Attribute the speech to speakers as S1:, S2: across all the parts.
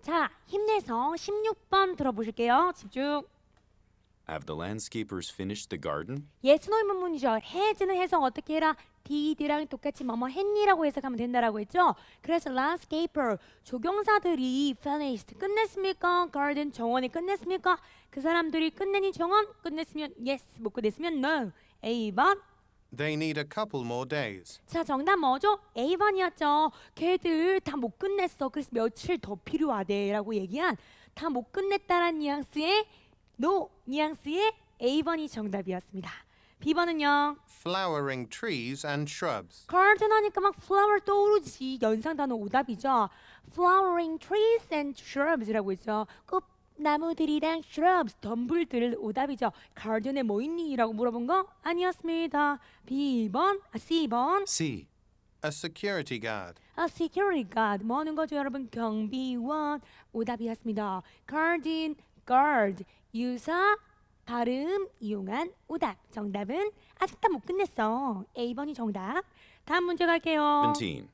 S1: 자, 힘내서 16번 들어보실게요. 집중.
S2: Have the landscapers finished the garden?
S1: yes, no 의문문이죠. has는 해석 어떻게 해라? did랑 똑같이 뭐뭐 했니라고 해석하면 된다라고 했죠. 그래서 landscaper 조경사들이 finished 끝냈습니까? garden 정원이 끝냈습니까? 그 사람들이 끝내니 정원 끝냈으면 yes, 못 끝냈으면 no. A번.
S3: They need a couple more days.
S1: 자, 정답 뭐죠? A번이었죠. 걔들 다 못 끝냈어. 그래서 며칠 더 필요하대라고 얘기한 다 못 끝냈다란 뉘앙스의 no 뉘앙스의 A번이 정답이었습니다. B번은요.
S3: Flowering trees and shrubs.
S1: garden 하니까 막 flower 떠오르지. 연상 단어 오답이죠. flowering trees and shrubs라고 했죠. 꽃나무들이랑 shrubs, 덤불들 오답이죠. garden에 뭐 있니? 라고 물어본 거 아니었습니다. B번, C번.
S2: C.
S3: A security guard.
S1: A security guard. 뭐 하는 거죠, 여러분? 경비원. 오답이었습니다. garden, guard. 유사, 발음 이용한 오답. 정답은 아직 다 못 끝냈어. A번이 정답. 다음 문제 갈게요.
S2: 17.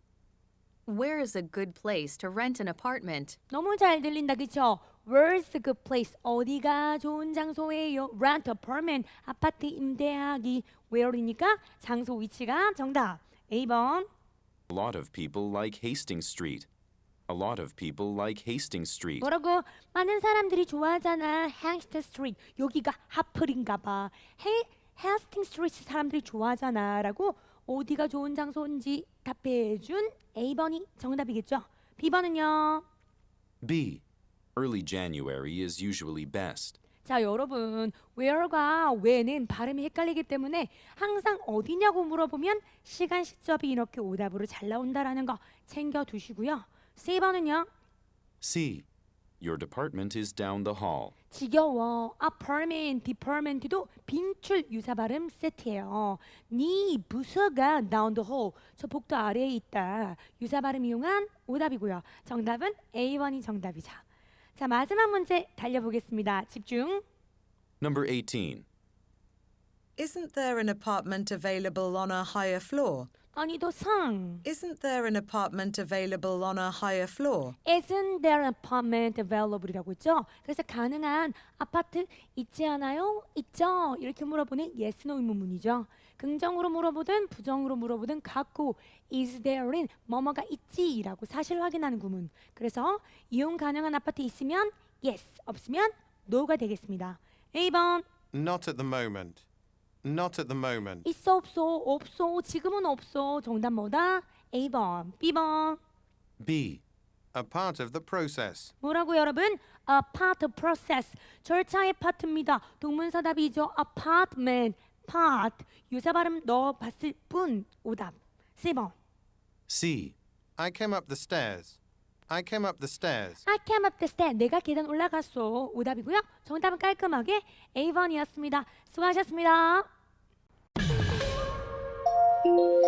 S4: Where is a good place to rent an apartment?
S1: 너무 잘 들린다, 그쵸? Where's a good place? 어디가 좋은 장소예요? Rent apartment. 아파트 임대하기. Where이니까 장소 위치가 정답. A번.
S2: A lot of people like Hastings Street. A lot of people like Hastings Street.
S1: 뭐라고? 많은 사람들이 좋아하잖아. Hastings Street. 여기가 하플인가 봐. Hastings Street 사람들이 좋아하잖아. 라고 어디가 좋은 장소인지 답해준 A번이 정답이겠죠. B번은요.
S2: B. Early January is usually best.
S1: 자, 여러분, where과 when은 발음이 헷갈리기 때문에 항상 어디냐고 물어보면 시간 시점이 이렇게 오답으로 잘 나온다라는 거 챙겨두시고요. C번은요.
S2: C. Your department is down the hall.
S1: 지겨워. apartment, department도 빈출 유사 발음 세트예요. 네 부서가 down the hall. 저 복도 아래에 있다. 유사 발음 이용한 오답이고요. 정답은 A번이 정답이죠. 자, 마지막 문제 달려보겠습니다. 집중.
S2: Number 18.
S5: Isn't there an apartment available on a higher floor?
S1: 아니, 더 상.
S5: Isn't there an apartment available on a higher floor?
S1: Isn't there an apartment available이라고 했죠? 그래서 가능한 아파트 있지 않아요? 있죠? 이렇게 물어보는 yes, no 의문문이죠. 긍정으로 물어보든 부정으로 물어보든 갖고 is there인 뭐뭐가 있지라고 사실 확인하는 구문. 그래서 이용 가능한 아파트 있으면 yes, 없으면 no가 되겠습니다. A번.
S3: Not at the moment. Not at the moment.
S1: 있어 없어 없어 지금은 없어. 정답 뭐다? A번. B번.
S2: B.
S3: A part of the process.
S1: 뭐라고 여러분? A part of process. 절차의 파트입니다. 동문서답이죠. apartment, part. 유사 발음 넣어봤을 뿐. 오답. C번.
S2: C.
S3: I came up the stairs. I came up the stairs.
S1: I came up the stairs. 내가 계단 올라갔어. 오답이고요. 정답은 깔끔하게 A번이었습니다. 수고하셨습니다.